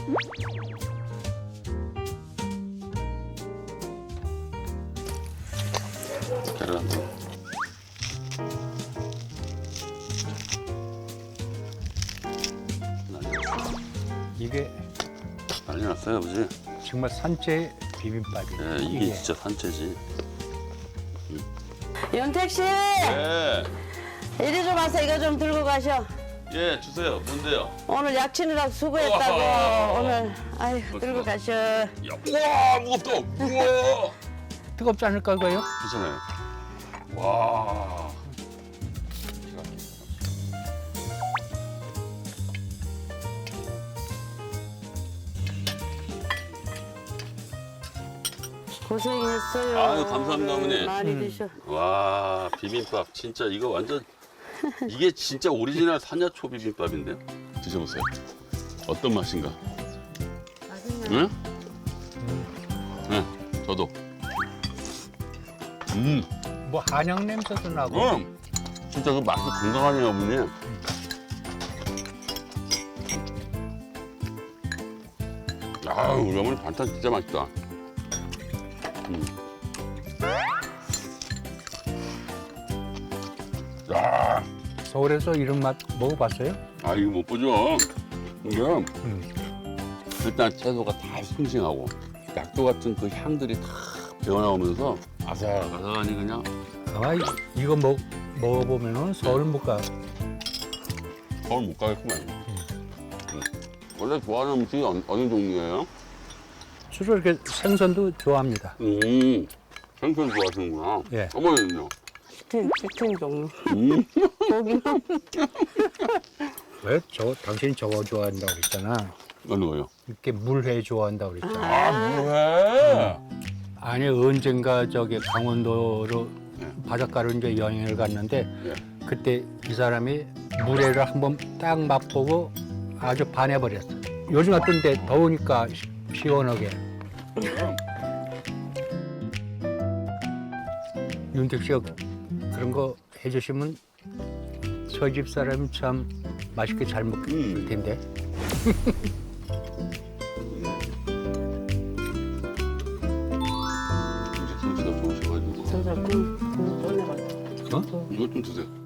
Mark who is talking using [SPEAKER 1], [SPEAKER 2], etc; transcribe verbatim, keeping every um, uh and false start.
[SPEAKER 1] 계란.
[SPEAKER 2] 이게
[SPEAKER 1] 난리 났어요, 아버지.
[SPEAKER 2] 정말 산채 비빔밥이에요.
[SPEAKER 1] 예, 이게 진짜 산채지.
[SPEAKER 3] 윤택 씨,
[SPEAKER 1] 예,
[SPEAKER 3] 이리 좀 와서 이거 좀 들고 가셔.
[SPEAKER 1] 예, 주세요. 뭔데요?
[SPEAKER 3] 오늘 약치느라고 수고했다고.
[SPEAKER 1] 우와.
[SPEAKER 3] 오늘 아유 들고 가셔.
[SPEAKER 1] 야, 우와, 무겁다. 우와.
[SPEAKER 2] 뜨겁지 않을까 이거요?
[SPEAKER 1] 괜찮아요. 와.
[SPEAKER 3] 고생했어요.
[SPEAKER 1] 아유, 감사합니다, 어머니.
[SPEAKER 3] 많이
[SPEAKER 2] 음.
[SPEAKER 3] 드셔.
[SPEAKER 1] 와, 비빔밥 진짜 이거 완전 이게 진짜 오리지널 산야초 비빔밥인데요. 드셔보세요. 어떤 맛인가? 응? 응, 저도. 음,
[SPEAKER 2] 뭐 한약 냄새도 나고.
[SPEAKER 1] 음, 진짜 그 맛이 건강하네요, 어머니. 아, 우리 어머니 반찬 진짜 맛있다. 음. 야,
[SPEAKER 2] 서울에서 이런 맛 먹어봤어요?
[SPEAKER 1] 아 이거 못 보죠. 이게
[SPEAKER 2] 음.
[SPEAKER 1] 일단 채소가 다 싱싱하고 약도 같은 그 향들이 다 배어나오면서 아삭아삭하니 그냥.
[SPEAKER 2] 아 이- 이거 먹 먹어보면은 서울 못 가.
[SPEAKER 1] 서울 못 가겠구만. 음. 원래 좋아하는 음식이 어느, 어느 종류예요?
[SPEAKER 2] 주로 이렇게 생선도 좋아합니다.
[SPEAKER 1] 음, 생선 좋아하시는구나.
[SPEAKER 2] 예.
[SPEAKER 1] 어머니는요?
[SPEAKER 3] 치킨, 치킨 종류.
[SPEAKER 1] 음.
[SPEAKER 3] 고기만.
[SPEAKER 2] 왜? 저 당신이 저거 좋아한다고 그랬잖아.
[SPEAKER 1] 어느 거요?
[SPEAKER 2] 이렇게 물회 좋아한다고 그랬잖아.
[SPEAKER 1] 아, 뭐해?
[SPEAKER 2] 아니 언젠가 저기 강원도로
[SPEAKER 1] 네.
[SPEAKER 2] 바닷가로 이제 여행을 갔는데
[SPEAKER 1] 예.
[SPEAKER 2] 그때 이 사람이 물회를 한번 딱 맛보고 아주 반해버렸어. 요즘 같은 때 더우니까 시, 시원하게. 윤택 씨가 그런 거 해주시면 저 집 사람이 참 맛있게 잘 먹을
[SPEAKER 1] 음.
[SPEAKER 2] 텐데.
[SPEAKER 1] 이제 솜씨가 좋으셔가지고
[SPEAKER 3] 저저 그, 그, 꺼내봐.
[SPEAKER 2] 어?
[SPEAKER 1] 이것 좀 드세요.